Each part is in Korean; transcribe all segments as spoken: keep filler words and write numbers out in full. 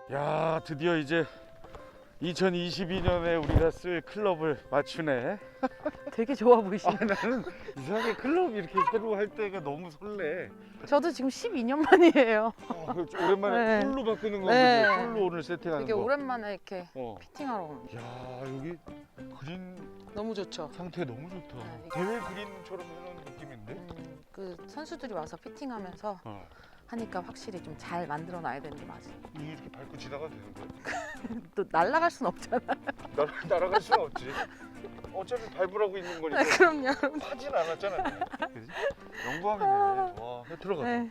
야, 드디어 이제 이천이십이 년에 우리가 쓸 클럽을 맞추네. 되게 좋아 보이시네. 아, 나는 이상하게 클럽 이렇게 새로 할 때가 너무 설레. 저도 지금 십이 년 만이에요. 아, 그렇죠. 오랜만에 네. 풀로 바꾸는 거 네. 보죠. 풀로 오늘 세팅하는 되게 거. 오랜만에 이렇게 어. 피팅하러 오는 거. 야, 여기 그린 너무 좋죠. 상태 너무 좋다. 네. 대회 그린처럼 해놓은 느낌인데? 음, 그 선수들이 와서 피팅하면서 어. 하니까 확실히 좀 잘 만들어 놔야 되는 게 맞아요. 이렇게 밟고 지나가도 되는 거야? 또 날아갈 순 없잖아. 날, 날아갈 수는 없지. 어차피 밟으라고 있는 거니까. 그럼요. 하진 않았잖아. 그지? 영광이네. 와, 들어가. 네.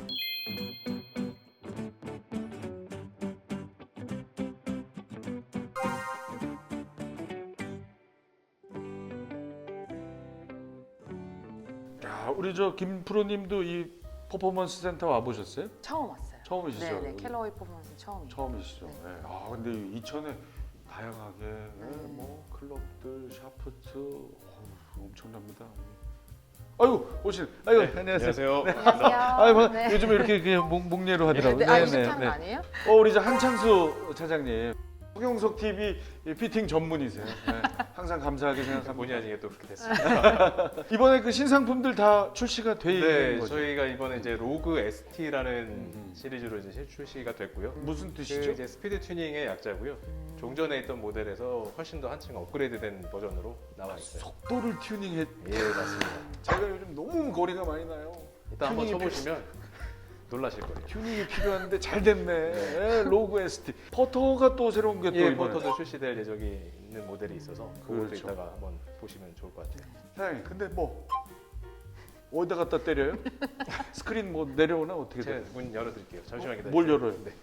야, 우리 저 김 프로님도 이 퍼포먼스 센터 와 보셨어요? 처음 왔어요. 처음이시죠? 네네. 여기? 캘러웨이 퍼포먼스 처음이에요. 처음이시죠. 네. 네. 아, 근데 이천에 다양하게 네, 뭐 클럽들, 샤프트 어우, 엄청납니다. 아유, 오신. 아유, 네, 안녕하세요. 안녕하세요. 네. 안녕하세요. 아유, 뭐, 네. 요즘에 이렇게 그냥 목, 목례로 하더라고요. 네, 아, 이십 차는 아니에요? 어, 우리 저 한창수 차장님. 홍영석 티비 피팅 전문이세요. 네. 항상 감사하게 생각합니다. 본의 아니게 또 그렇게 됐습니다. 이번에 그 신상품들 다 출시가 돼 있는 네, 거죠? 저희가 이번에 이제 로그 에스티라는 음. 시리즈로 이제 출시가 됐고요. 무슨 그 뜻이죠? 이제 스피드 튜닝의 약자고요. 종전에 있던 모델에서 훨씬 더 한층 업그레이드된 버전으로 나와 있어요. 속도를 튜닝해. 예, 맞습니다. 제가 요즘 너무 거리가 많이 나요. 일단 한번 튜닝이 쳐보시면 놀라실 거예요. 튜닝이 필요한데 잘 됐네. 예, 로그 에스티. 퍼터가 또 새로운 게 또 예, 이번에. 포터도 출시될 예정이 있는 모델이 있어서 그것도 그렇죠. 이따가 한번 보시면 좋을 것 같아요. 사장님, 근데 뭐 어디다 갖다 때려요? 스크린 뭐 내려오나 어떻게 제가 돼요? 문 열어드릴게요. 잠시만 기다리세요. 뭘 열어요? 네.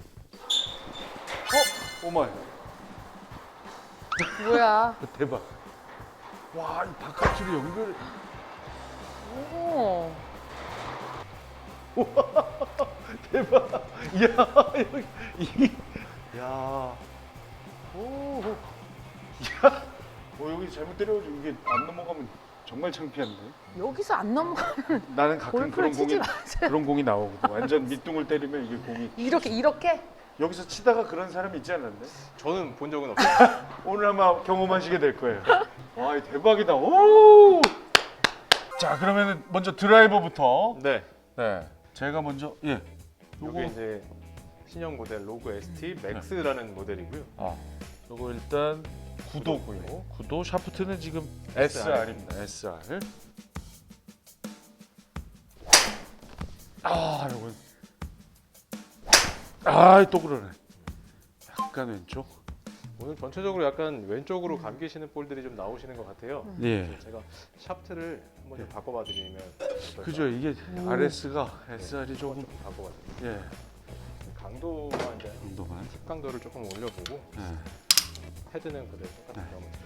어, 오마이. 뭐야? 대박. 와, 이 바깥으로 연결. 오. 대박. 이야, 여기 이, 야, 오, 야, 어, 여기 잘못 때려가지고 이게 안 넘어가면 정말 창피한데. 여기서 안 넘어가면 나는 가끔 골프를 그런 치지 공이 마세요. 그런 공이 나오거든. 완전 밑둥을 때리면 이게 공이 이렇게 이렇게? 여기서 치다가 그런 사람이 있지 않았나요? 저는 본 적은 없어요. 오늘 아마 경험하시게 될 거예요. 와, 이 대박이다. 오. 자, 그러면 먼저 드라이버부터. 네. 네. 제가 먼저 예. 요거 이게 이제 신형 모델 로그 에스티 맥스라는 모델이고요. 아, 요거 일단 구도고요. 구도 샤프트는 지금 에스알입니다. 에스알. 아, 요건 아, 또 그러네. 약간 왼쪽. 오늘 전체적으로 약간 왼쪽으로 감기시는 볼들이 좀 나오시는 것 같아요. 예. 그래서 제가 샤프트를 한번 좀 바꿔봐 드리면 어떨까요? 그죠. 이게 알에스가 에스알이 조금 조금 바꿔봐 드릴게요. 예. 강도만 이제 정도만. 강도를 조금 올려보고 예. 헤드는 그대로 똑같은 거 한번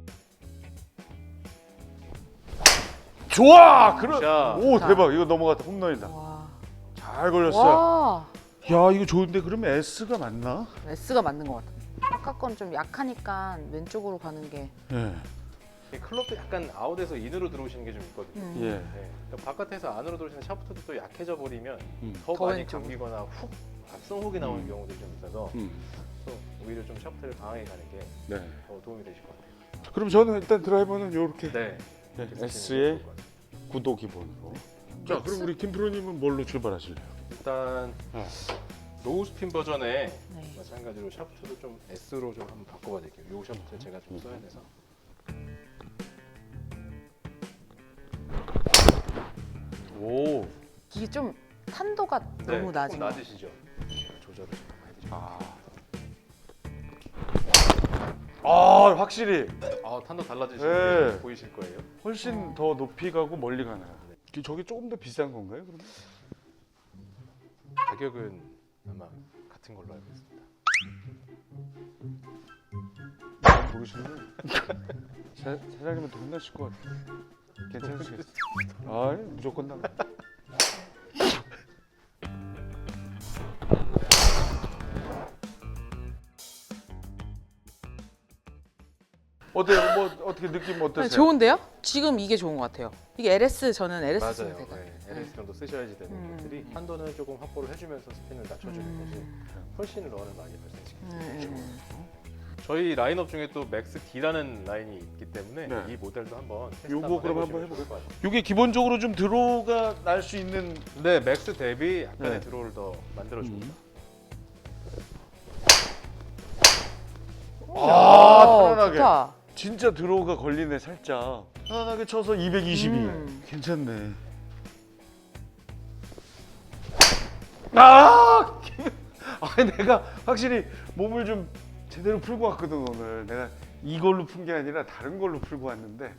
좋아. 그럼. 샷. 오, 자. 대박. 이거 넘어갔다. 홈런이다. 와. 잘 걸렸어요. 와. 야, 이거 좋은데 그러면 S가 맞나? S가 맞는 것 같아요. 아까 건 좀 약하니까 왼쪽으로 가는 게. 예. 이 클럽도 약간 아웃에서 인으로 들어오시는 게 좀 있거든요. 음. 예. 네. 그러니까 바깥에서 안으로 들어오시는 샤프트도 또 약해져 버리면 음. 더, 더 많이 왼쪽으로. 감기거나 훅 앞선 훅이 나오는 음. 경우들이 좀 있어서 음. 또 오히려 좀 샤프트를 강하게 가는 게 더 네. 도움이 되실 것 같아요. 그럼 저는 일단 드라이버는 이렇게 네. 네, 이렇게 쓰시는 S의 게 좋을 것 같아요. 구도 기본으로. 자, 그럼 우리 김 프로님은 뭘로 출발하실래요? 일단 어. 로우 스핀 버전에 네. 마찬가지로 샤프트도 좀 S로 좀 한번 바꿔봐 드릴게요. 요 샤프트 제가 좀 써야 돼서. 오. 이게 좀 탄도가 네, 너무 낮은 조금 것 같아요. 낮으시죠? 조절을 좀 해드릴게요. 아. 아, 확실히 아, 탄도 달라지시는 네. 게 보이실 거예요. 훨씬 더 높이 가고 멀리 가나요? 그 저게 조금 더 비싼 건가요? 그러면? 가격은 아마 같은 걸로 알고 있습니다. 모르시면 사, 사장님한테 혼나실 것 같아요. 괜찮으시겠어요? 아, 무조건 나가. 어때요? 뭐 어떻게 느낌 네, 어떠세요? 좋은데요? 지금 이게 좋은 것 같아요. 이게 엘에스 저는 엘에스 쓰면 맞아요. 될것 같아요. 네, 엘에스 정도 쓰셔야지 되는 음. 것들이 한도는 조금 확보를 해주면서 스핀을 낮춰주는 것이 훨씬 런을 많이 발생시킵니다. 음. 저희 라인업 중에 또 맥스 D라는 라인이 있기 때문에 네. 이 모델도 한번 테스트 요거 한번 그럼 해보시면 한번 좋을 것 같아요. 이게 기본적으로 좀 드로우가 날 수 있는 네, 맥스 대비 약간의 네. 드로우를 더 만들어줍니다. 아, 오, 편안하게. 좋다. 진짜 드로우가 걸리네 살짝. 편안하게 쳐서 이백이십이. 음. 괜찮네. 아! 아, 내가 확실히 몸을 좀 제대로 풀고 왔거든 오늘. 내가 이걸로 푼 게 아니라 다른 걸로 풀고 왔는데.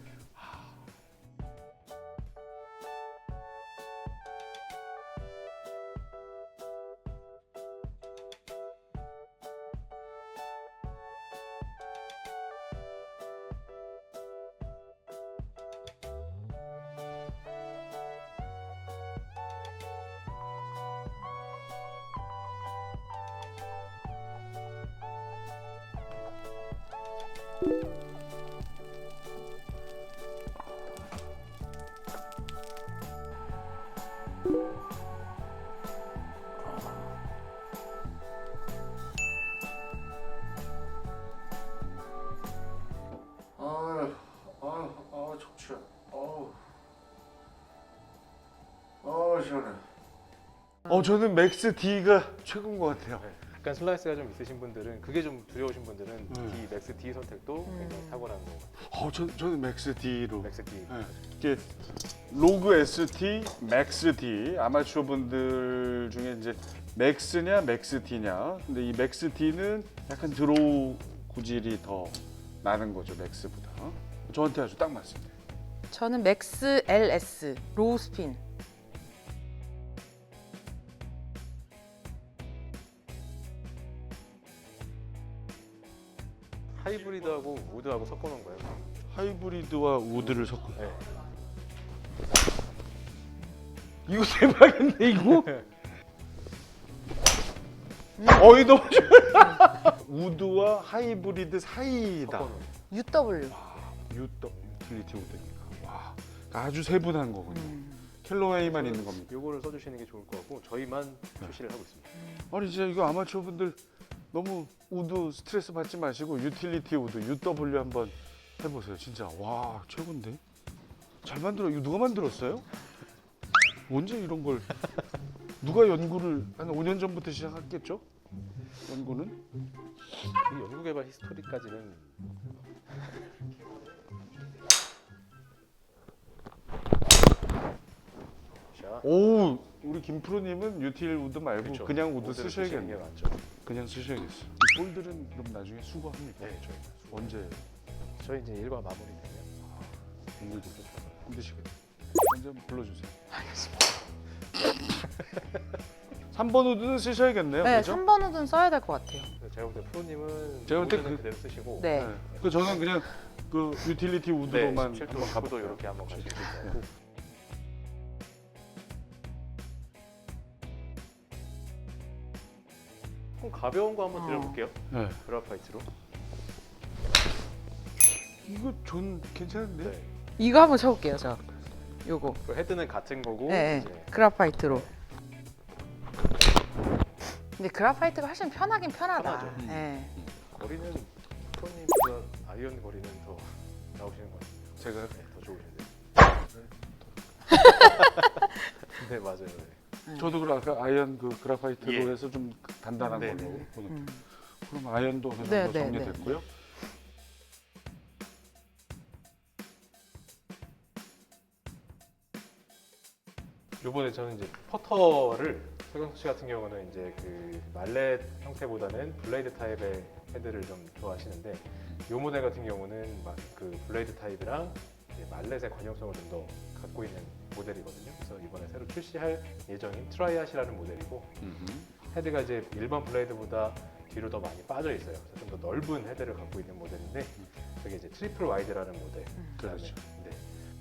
아유, 아유, 아, 척추야. 어우, 아 시원해. 어, 저는 맥스 D가 최고인 것 같아요. 네. 약간 슬라이스가 좀 있으신 분들은 그게 좀 두려우신 분들은 음. D, 맥스 D 선택도 굉장히 음. 탁월한 거 같아요. 어, 저 저는 맥스 D로. 맥스 D. 네. 이게 로그 에스티, 맥스 D 아마추어 분들 중에 이제 맥스냐 맥스 D냐. 근데 이 맥스 D는 약간 드로우 구질이 더 나는 거죠 맥스보다. 저한테 아주 딱 맞습니다. 저는 맥스 엘에스 로우 스핀. 하이브리드하고 우드하고 섞어놓은 거예요. 하이브리드와 우드를 섞어. 네. 이거 대박인데 이거? 어이 너무 좋아. 우드와 하이브리드 사이다. 섞어놓은. 유더블유. 유더 유틸리티 우드니까. 와, 아주 세분한 거군요. 음. 캘로웨이만 있는 겁니다. 요거를 써주시는 게 좋을 것 같고 저희만 출시를 하고 있습니다. 아니 진짜 이거 아마추어 분들 너무 우드 스트레스 받지 마시고 유틸리티 우드 유더블유 한번 해보세요. 진짜 와 최고인데. 잘 만들어. 이거 누가 만들었어요? 언제 이런 걸 누가 연구를 한 오 년 전부터 시작했겠죠? 연구는? 이 연구개발 히스토리까지는 자, 오 우리 김프로님은 유틸 우드 말고 그렇죠. 그냥 우드 우드를 쓰시는 쓰셔야겠네요. 게 맞죠. 그냥 쓰셔야겠어. 이 볼들은 그럼 나중에 수거합니까? 네, 저희 언제 저희 이제 일과 마무리되면 공들도 힘드시겠네. 언제 한번 불러주세요. 알겠습니다. 삼 번 우드는 쓰셔야겠네요. 네, 그렇죠? 삼 번 우드는 써야 될 것 같아요. 제가 볼 때 프로님은 제가 볼때 우드는 그- 그대로 쓰시고 네. 네. 그 저는 그냥 그 유틸리티 네, 우드로만 십칠 도, 한번 십구 도 가볼게요. 이렇게 한번 가시면 될 것 같고 그럼 가벼운 거 한번 어. 드려볼게요. 네. 그라파이트로. 이거 전 괜찮은데? 네. 이거 한번 쳐볼게요, 저. 요거. 그 헤드는 같은 거고 네, 이제 그라파이트로. 근데 그라파이트가 훨씬 편하긴 편하다. 편하죠. 네. 거리는 프로님보다 아이언 거리는 더 나오시는 것 같아요. 제가 네, 더 좋으신데. 네 맞아요. 네. 저도 그 아까 아이언 그 그라파이트로 예. 해서 좀 단단한 네, 걸로 네, 네. 보는. 음. 그럼 아이언도 어느 정도 네, 네, 정리됐고요. 요번에 저는 이제 퍼터를 서경수 씨 같은 경우는 이제 그 말렛 형태보다는 블레이드 타입의 헤드를 좀 좋아하시는데 요 모델 같은 경우는 막 그 블레이드 타입이랑 이제 말렛의 관용성을 좀 더 갖고 있는 모델이거든요. 그래서 이번에 새로 출시할 예정인 트라이아시라는 모델이고 헤드가 이제 일반 블레이드보다 뒤로 더 많이 빠져 있어요. 그래서 좀 더 넓은 헤드를 갖고 있는 모델인데 그게 이제 트리플 와이드라는 모델. 그렇죠. 네.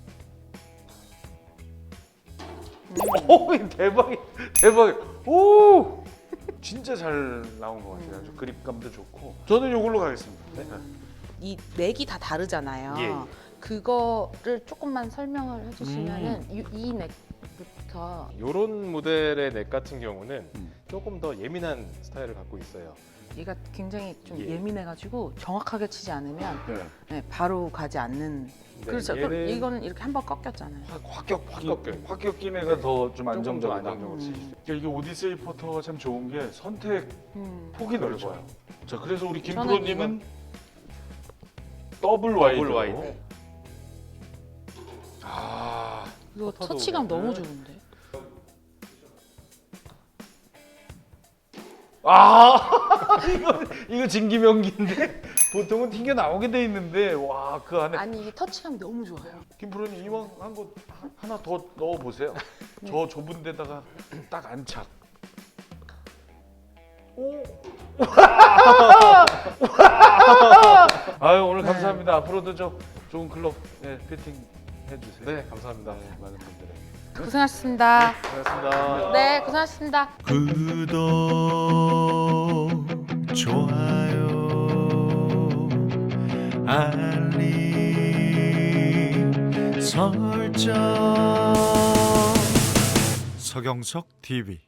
오 대박이 대박. 오 진짜 잘 나온 것 같아요. 아주 그립감도 좋고. 저는 이걸로 가겠습니다. 네. 이 넥이 다 다르잖아요. 예, 예. 그거를 조금만 설명을 해주시면은 이, 이 넥 넥부터 이런 모델의 넥 같은 경우는 음. 조금 더 예민한 스타일을 갖고 있어요. 얘가 굉장히 좀 예. 예민해가지고 정확하게 치지 않으면 네. 네, 바로 가지 않는. 네, 그렇죠. 그럼 얘는 이거는 이렇게 한 번 꺾였잖아요. 확, 확격 확 꺾여요. 꺾여. 확격 낀 애가 더 좀 조금 더 안정적이다. 안정적으로 칠 수 있어요. 그러니까 이게 오디세이 포터가 참 좋은 게 선택 음. 폭이 그렇죠. 넓어요. 자, 그래서 우리 저는 김프로님은 더블 와이드. 더블 와이드. 네. 아, 이거 포터도 터치감 오면은- 너무 좋은데. 아, 이거 이거 진기명기인데 보통은 튕겨 나오게 돼 있는데 와, 그 안에 아니 이게 터치감이 너무 좋아요. 김프로님 이왕 한 거 하나 더 넣어 보세요. 저 좁은 데다가 딱 안착. 오. 아유, 오늘 네. 감사합니다. 앞으로도 저 좋은 클럽 예, 피팅 해주세요. 네, 감사합니다. 네, 많은 분들의. 고생하셨습니다. 고맙습니다. 네, 고생하셨습니다. 구독, 좋아요, 알림 설정. 서경석 티비